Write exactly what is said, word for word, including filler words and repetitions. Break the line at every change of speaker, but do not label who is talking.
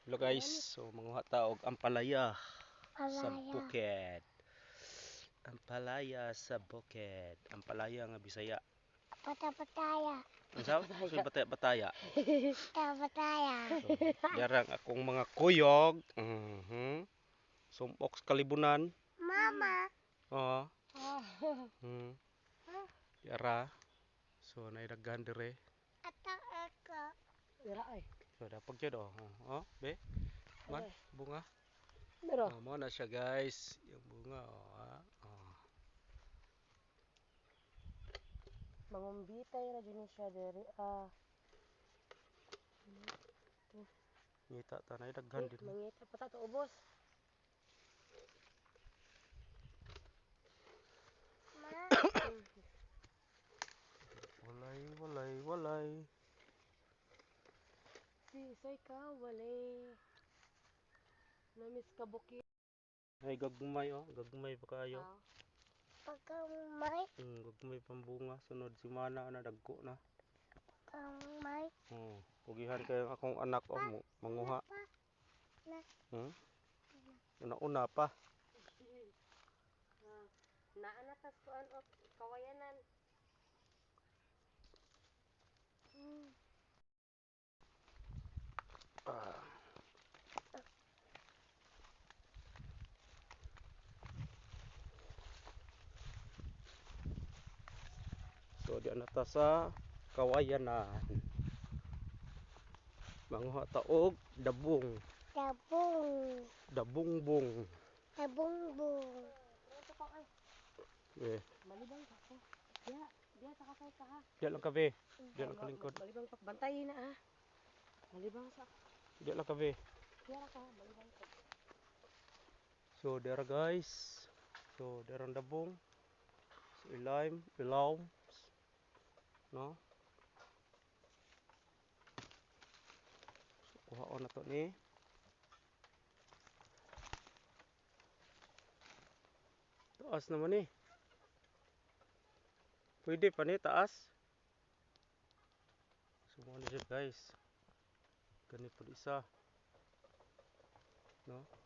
Hello guys, so manguha ta og ampalaya sa
Palaya.
bukid. Ampalaya sa bukid. Ampalaya nga Bisaya.
Pata-pataya.
Unsa? Sud bataya bataya.
Pata-pataya.
So, darang akong mga kuyog. Mhm. Sumpok sa kalibunan.
Mama.
Oh. Hmm. Yara. So naidaghan dire.
Atak ako.
Dira ay.
So dapag jud oh. Oh, be. Man, bunga.
Dira.
Oh, mo na siya guys. Yung bunga oh. Ah. Oh.
Mangumbitay ra jud ni siya diri ah.
Ngita ta naidaghan
Eh,
din.
mangita pa ta to ubos.
Ma.
Walay, walay, walay.
Si soy ka walay. Namis ka bukid.
Ay, gagmay oh. Gagmay pa kayo.
Ah.
Pagkamay.
Hmm, gagmay pambunga. Sunod si Mana na dagko na.
Pagkamay.
Hmm. Pugihan kayo akong anak oh. mu- Manguha.
Pa. Na.
Hmm? Una-una pa.
Ah. Naa na tas kuan og kawayanan.
Hmm.
Ah. So, di na ta sa kawayanan. Manguha ta og dabong.
Dabong.
Dabongbong.
Dabongbong.
Pronto pa ay.
Eh,
Malibang ka ko. Ya, dia ta kasay ka ha.
di lang kabe. Di lang
Ma-
kalingkod.
ma- Malibang pa bantayin na ha. Malibang sa.
Di lang kabe.
Kira ka malibang ka.
So, dera guys. So, derang dabong. So, ilaim, ilaw. No? So, kuhaon na to ni. Taas naman eh. Pwede pa ni taas. So mo na siya guys. Gani po isa. No?